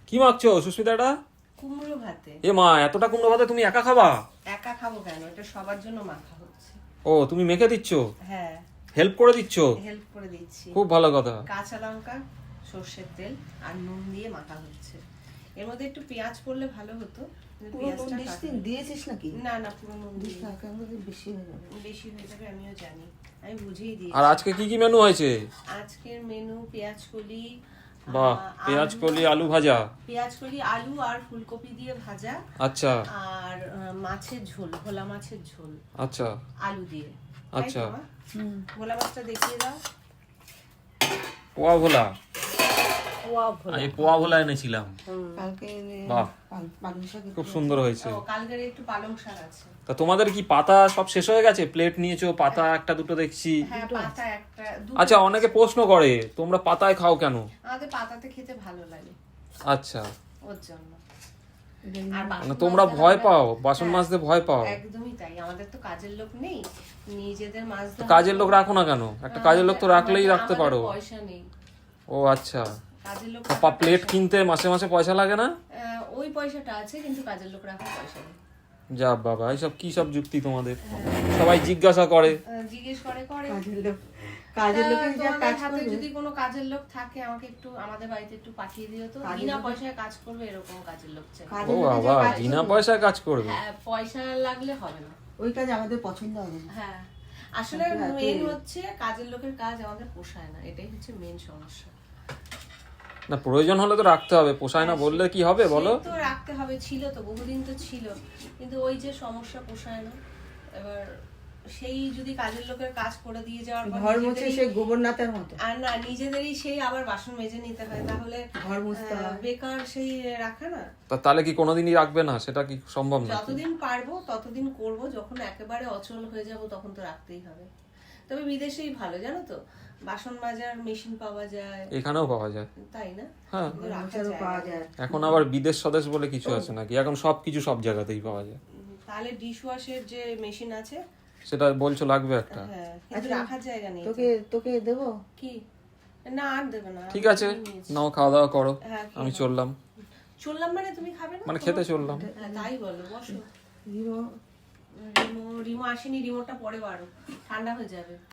কি মাখছো সুস্মিতাটা? কুমড়ো ভাতে। এ মা, এতটা কুমড়ো ভাতে তুমি একা খাবা? একা খাবো কেন, এটা সবার জন্য মাখা হচ্ছে। ও, তুমি মেখে দিচ্ছ? হ্যাঁ, হেল্প করে দিচ্ছ? হেল্প করে দিচ্ছি। খুব ভালো কথা। কাঁচা লঙ্কা, সর্ষের তেল আর নুন দিয়ে মাখা হচ্ছে। এর মধ্যে একটু পেঁয়াজ পড়লে ভালো হতো, কিন্তু পেঁয়াজটা দিয়েছিস নাকি? না না, পুরো নুন দিই। বেশি হয়ে যাবে। বেশি হয়ে যাবে আমিও জানি, আমি বুঝেই দিই। আর আজকে কি কি মেনু হয়েছে? আজকের মেনু পেঁয়াজ কলি, বাহ, পেঁয়াজ কলি আলু ভাজা। পেঁয়াজ কলি আলু আর ফুলকপি দিয়ে ভাজা। আচ্ছা আর মাছের ঝোল, ভোলা মাছের ঝোল আচ্ছা আলু দিয়ে। আচ্ছা। ভোলা মাছটা দেখিয়ে দাও। পোয়া ভোলা। পোয়া ভোলা। আমি পোয়া ভোলা এনেছিলাম। কালকে বাহ, পালং শাক খুব সুন্দর হয়েছে। ও, কালকের একটু পালং শাক আছে। তা তোমাদের কি পাতা সব শেষ হয়ে গেছে? প্লেট নিয়েছো, পাতা একটা দুটো দেখছি। হ্যাঁ, পাতা একটা দুটো। আচ্ছা, অনেকে প্রশ্ন করে তোমরা পাতায় খাও কেন? আমাদের পাতাতে খেতে ভালো লাগে, আচ্ছা, ওর জন্য। আর বাসন মানে তোমরা মাজতে ভয় হবে। পাও, বাসন হ্যাঁ, মাজতে ভয় পাও? একদমই তাই। আমাদের তো কাজের লোক নেই, নিজেদের মাজতে হবে। কাজের লোক রাখো না কেন? একটা কাজের লোক তো রাখলেই রাখতে পারো। আমাদের পয়সা নেই, ও আচ্ছা। কাজের লোক প্লেট কিনতে মাসে মাসে পয়সা লাগে না? ওই পয়সাটা আছে, কিন্তু কাজের লোক রাখার পয়সা নেই। যা বাবা, এইসব কি সব যুক্তি তোমাদের? সবাই জিজ্ঞাসা করে। জিজ্ঞেস করে করে কাজের লোকের যা তোমাদের কাজ হাতে করবে। যদি কোনো কাজের লোক থাকে আমাকে একটু আমাদের বাড়িতে একটু পাঠিয়ে দিও তো। বিনা পয়সায় কাজ করবে এরকম কাজের লোক চাই। ও বাবা, বিনা পয়সায় কাজ করবে? হ্যাঁ, পয়সা লাগলে হবে না। ওই কাজ আমাদের পছন্দ হবে না। হ্যাঁ, আসলে মেন হচ্ছে কাজের লোকের কাজ আমাদের পোষায় না, এটাই হচ্ছে মেন সমস্যা। না, প্রয়োজন হলে তো রাখতে হবে, পোষায় না বললে কি হবে বলো? সেই তো রাখতে হবে, ছিল তো বহুদিন তো ছিল, কিন্তু ওই যে সমস্যা, পোষায় না। এবার সেই যদি কাজের লোকের কাজ করে দিয়ে যাওয়ার পর ঘর মুছে সেই গোবরনাথের মতো। আর না, নিজেদেরই সেই আবার বাসন মেজে নিতে হয়, তাহলে ঘর মুছতে হয়। বেকার সেই রাখা না। তাহলে কি কোনোদিনই রাখবে না? সেটা কি সম্ভব না? যতদিন পারবো ততদিন করব, যখন একেবারে অচল হয়ে যাব তখন তো রাখতেই হবে। তবে বিদেশেই ভালো, জানো তো, বাসন মাজার মেশিন পাওয়া যায়, এখানেও পাওয়া যায়। তাই না? হ্যাঁ, কিন্তু রাখা মোছারও যায় পাওয়া না। যায়। এখন আবার বিদেশ স্বদেশ বলে কিছু আছে নাকি? এখন সবকিছু সব জায়গাতেই পাওয়া যায়। তাহলে ডিশ ওয়াশের যে মেশিন আছে, সেটা বলছো লাগবে একটা? হ্যাঁ, কিন্তু রাখার জায়গা নেই। তোকে তোকে দেবো? কি? না, আর দেবে না। ঠিক আছে, নাও খাওয়া দাওয়া করো, হ্যাঁ, আমি চললাম। চললাম মানে তুমি খাবে না? মানে খেতে চললাম। হ্যাঁ, তাই বলো, বসো। রিমো রিমো আসেনি, রিমোটটা পরে বাড়ো, ঠান্ডা হয়ে যাবে।